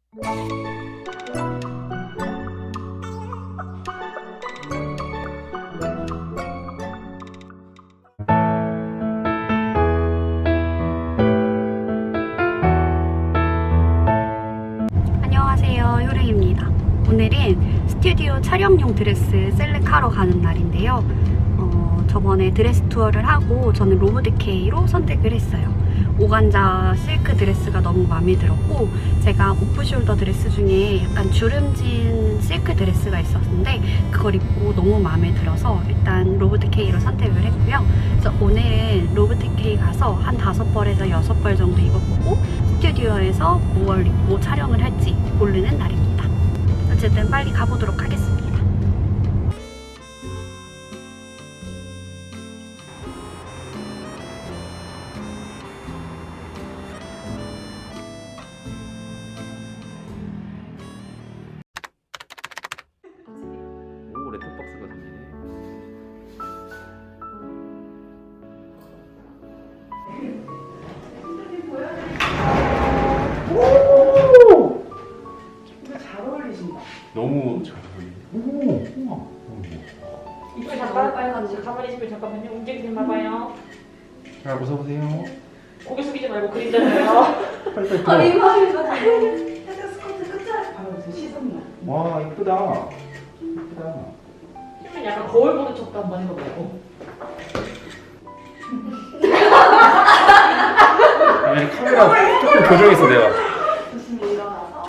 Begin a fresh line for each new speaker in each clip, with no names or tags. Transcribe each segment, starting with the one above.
안녕하세요, 효령입니다. 오늘은 스튜디오 촬영용 드레스 셀렉하러 가는 날인데요. 저번에 드레스 투어를 하고 저는 로브드케이로 선택을 했어요. 오간자 실크 드레스가 너무 마음에 들었고, 제가 오프숄더 드레스 중에 약간 주름진 실크 드레스가 있었는데 그걸 입고 너무 마음에 들어서 일단 로브드케이로 선택을 했고요. 그래서 오늘은 로브드케이 가서 한 5벌에서 6벌 정도 입어보고 스튜디오에서 뭘 입고 촬영을 할지 고르는 날입니다. 어쨌든 빨리 가보도록 하겠습니다.
오, 레터박스가 생기네.
오! 이거 잘 어울리신다.
너무 잘 보이네. 오, 우와.
이쁘게 잠깐 가만히 있으면 잠깐만요. 움직이지 마봐요.
자, 웃어보세요.
고개 숙이지 말고 그리잖아요.
빨리빨리
아,
들어.
이거 살짝 스커트 끝자락 바라보세요. 시선만.
와, 이쁘다. 이쁘다.
그러면 약간 거울 보는 척도 한번 해보고.
아니, 카메라 조금 조정했어, 내가.
조심히 일어나서.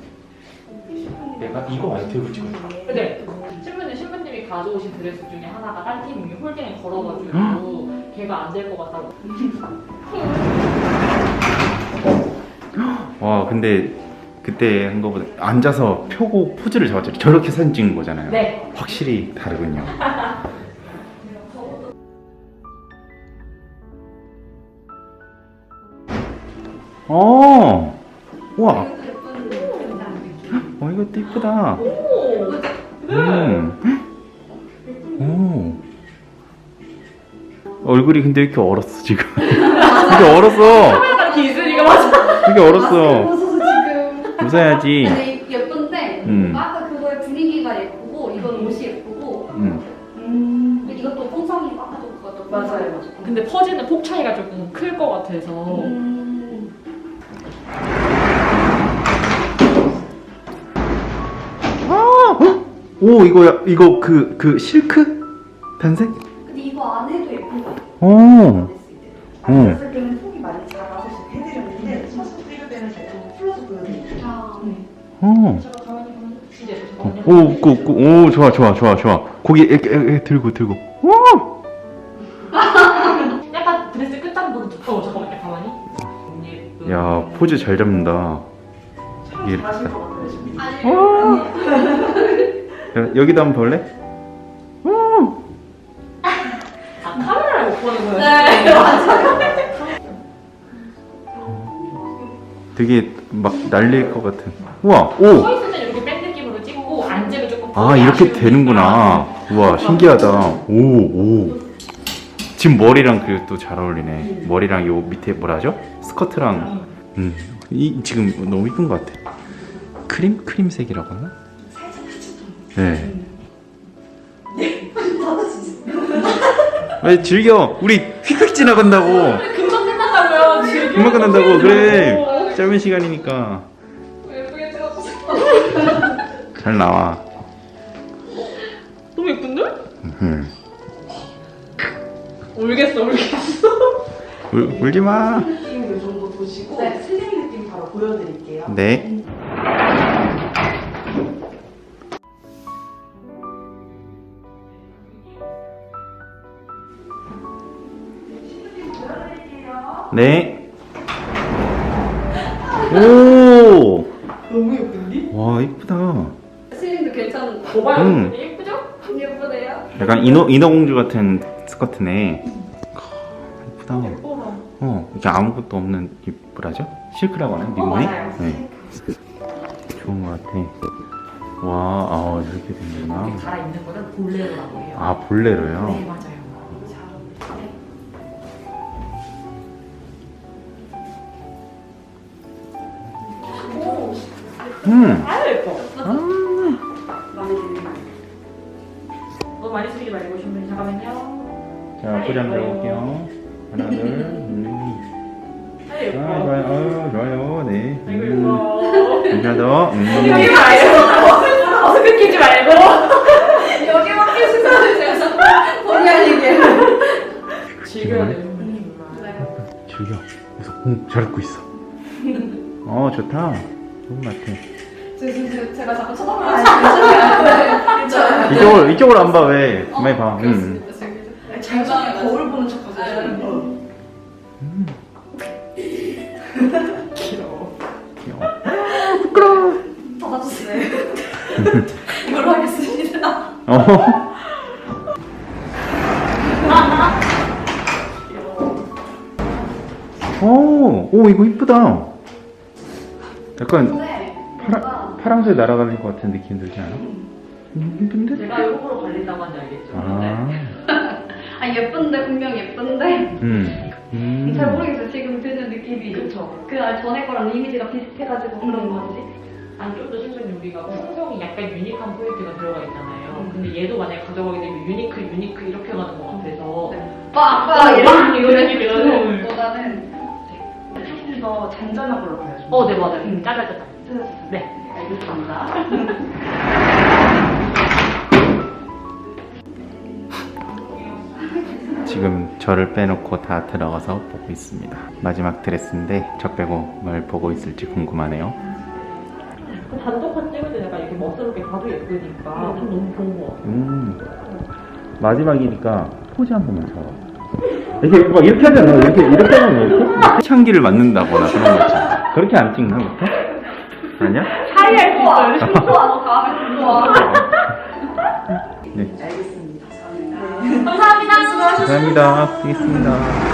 내가 이거 아이템을 찍어.
근데 신부님이 가져오신 드레스 중에 하나가 딴 팀이 홀딩에 걸어가지고 걔가 안 될 것 같다고.
와, 근데 그때 한 거보다 앉아서 펴고 포즈를 잡았잖아요. 저렇게 사진 찍는 거잖아요.
네.
확실히 다르군요. 어, 우와. 이것도 이쁘다.
오!
오. 얼굴이 근데 왜 이렇게 얼었어, 지금? 이렇게 얼었어.
카메라가 이렇게 있으니까 맞아.
이렇게 얼었어.
웃어서 지금.
웃어야지.
근데 예쁜데 아까 그거의 분위기가 예쁘고 이건 옷이 예쁘고 이것도 풍성이 아까도 그것도
맞아요.
근데 퍼지는 폭 차이가 조금 클 것 같아서.
오, 이거 그 실크? 단색?
근데 이거 안 해도 예쁜 거 같아.
오.
앉았을 때는 폭이 많이 작아서 지금 해드렸는데 서서 찍을 때는 조금 풀어서 보여드릴게요.
오.
제가 가만히 보면 진짜 잠깐만요.
오, 좋아. 고기 이렇게 들고. 오!
약간 드레스 끝단부분 두꺼워. 잠깐만요. 가만히.
야, 포즈 잘 잡는다.
참
이렇게
잘하실
딱.
것 같아요, 지금.
야, 여기도 한번 볼래? 오!
아, 카메라를 못 보는 거예요?
네, 맞아요.
되게 막 날릴 것 같은. 우와,
서
오!
있을 때 이렇게 뺀 느낌으로 찍고 앉으면 조금
아, 이렇게 되는구나. 우와, 신기하다. 오. 지금 머리랑 그리고 또 잘 어울리네. 머리랑 요 밑에 뭐라 하죠? 스커트랑. 이 지금 너무 이쁜 것 같아. 크림색이라고 하나? 네. 왜 즐겨? 우리 휙휙 지나간다고.
금방 끝난다고요. 지금.
금방 끝난다고. 그래. 짧은 시간이니까.
예쁘게 찍었어.
잘 나와.
너무 예쁜데? 울겠어.
울지 마.
느낌 이 정도 보시고 슬림 느낌 바로 보여드릴게요.
네. 네. 오.
너무 예쁜데?
와, 이쁘다.
슬림도 괜찮은 거.
봐봐요. 예쁘죠?
예쁘네요.
약간 인어공주 같은 스커트네. 이쁘다.
예뻐라.
이게 아무것도 없는 이 뭐라죠? 실크라고 하나? 미국이?
맞아요.
네. 좋은 것 같아. 와, 이렇게 되는구나.
이렇게 갈아입는 거는 볼레로라고 해요.
아, 볼레로요?
네, 맞아요. 아유 예뻐.
아.
마음에 드네요.
너무 많이 쓰지 말고 신부님 잠깐만요.
자, 포장 들어볼게요. 하나, 둘.
아유
아,
예뻐.
좋아요. 좋아요. 네.
아이고 예뻐.
하나 더.
여기 말고 어색해지 말고.
여기만 계시면 되죠. 본의 아니게.
즐겨야 되는
즐겨. 그래서 잘 듣고 있어. 좋다. 좋은 것 같아.
제가 자꾸 쳐다보는
이쪽으로 안 봐, 왜? 많이 봐.
장장에 거울 보는 척 하세요.
귀여워.
귀여워.
받아주세요. 이걸로 하겠습니다.
오, 이거 이쁘다. 약간
네.
파랑새 날아가는 것 같은 느낌 들지 않아? 이쁜데?
제가 일부러 발린다고 한지 알겠죠?
아 예쁜데 분명 예쁜데 잘 모르겠어요. 지금 드는 느낌이
그쵸.
그 전에 거랑 이미지가 비슷해가지고 그런 건지.
아니 좀더 신부님 우리가 풍성이 약간 유니크한 포인트가 들어가 있잖아요. 근데 얘도 만약에 가져가게 되면 유니크 이렇게 가는 것 같아서
빡빡 이런
이런 느낌이라는.
보다는
조금 더 잔잔한 걸로 가야죠.
네 맞아요. 짜잘짜잘. 네 알겠습니다.
지금 저를 빼놓고 다 들어가서 보고 있습니다. 마지막 드레스인데 저 빼고 뭘 보고 있을지 궁금하네요.
그 단독판 찍을 때 약간 이렇게 멋스럽게 봐도 예쁘니까 좀 너무 좋은 것 같아요.
마지막이니까 포즈 한 번만 잡아. 이렇게 막 이렇게 하잖아. 이렇게 하면 이렇게 창기를 맞는다거나 그런 거 있잖아. 그렇게 안 찍나 보통? 아니야?
차이할 수 있어요.
좋아 다음에 좋아.
네.
알겠습니다.
감사합니다.
감사합니다. 알겠습니다.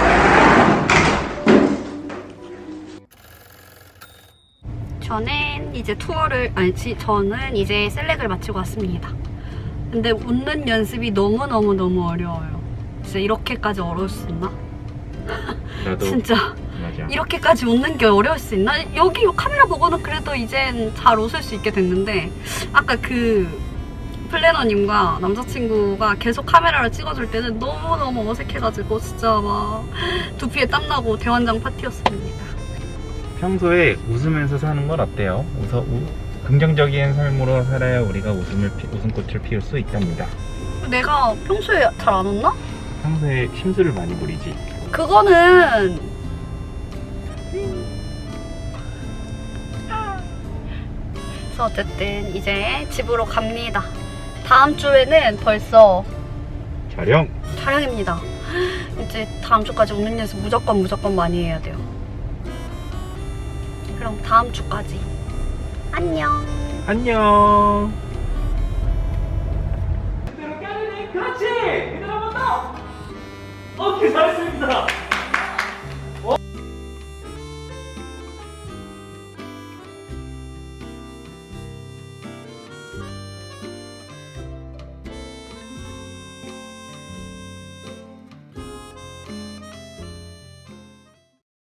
저는 이제 저는 이제 셀렉을 마치고 왔습니다. 근데 웃는 연습이 너무 어려워요. 진짜 이렇게까지 어려울 수 있나?
나도
진짜
맞아.
이렇게까지 웃는 게 어려울 수 있나? 여기 카메라 보고는 그래도 이젠 잘 웃을 수 있게 됐는데 아까 그 플래너님과 남자친구가 계속 카메라를 찍어줄 때는 너무 어색해가지고 진짜 막 두피에 땀나고 대환장 파티였습니다.
평소에 웃으면서 사는 건 어때요? 긍정적인 삶으로 살아야 우리가 웃음꽃을 피울 수 있답니다.
내가 평소에 잘 안 웃나?
평소에 심술을 많이 부리지.
그거는 그래서 어쨌든 이제 집으로 갑니다. 다음 주에는 벌써 촬영입니다. 이제 다음 주까지 웃는 연습 무조건 많이 해야 돼요. 그럼 다음 주까지 안녕.
안녕.
그대로 깨르네. 그렇지. 그대로 한번 더. 오케이 잘했습니다.